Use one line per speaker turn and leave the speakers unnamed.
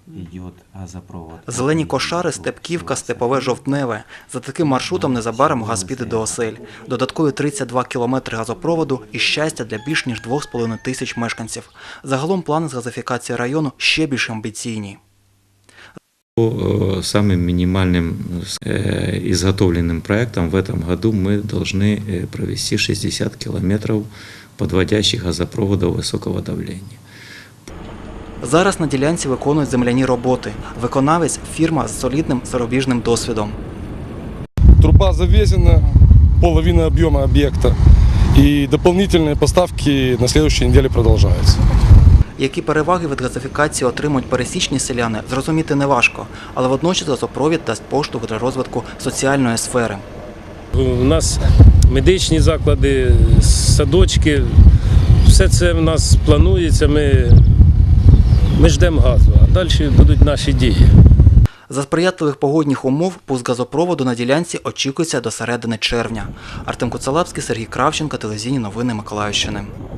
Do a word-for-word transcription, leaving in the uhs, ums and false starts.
идет газопровод.
Зелені кошари, Степківка, Степове, Жовтневе. За таким маршрутом незабаром газ піде до осель. Додаткові тридцять два кілометри газопроводу і щастя для більш ніж двох з половиною тисяч мешканців. Загалом плани з газифікації району ще більш амбіційні.
По самым минимальным изготовленным проектам в этом году мы должны провести шестьдесят километров подводящих газопроводов высокого давления.
Зараз на ділянці виконують земляні роботи. Виконавець – фірма з солідним зарубіжним досвідом.
Труба завезена, половина объема объекта, и дополнительные поставки на следующей неделе продолжаются.
Які переваги від газифікації отримують пересічні селяни, зрозуміти неважко, але водночас газопровід дасть поштовх для розвитку соціальної сфери.
У нас медичні заклади, садочки, все це в нас планується, ми, ми ждемо газу, а далі будуть наші дії.
За сприятливих погодних умов пуск газопроводу на ділянці очікується до середини червня. Артем Коцалапський, Сергій Кравченко, телевізійні новини Миколаївщини.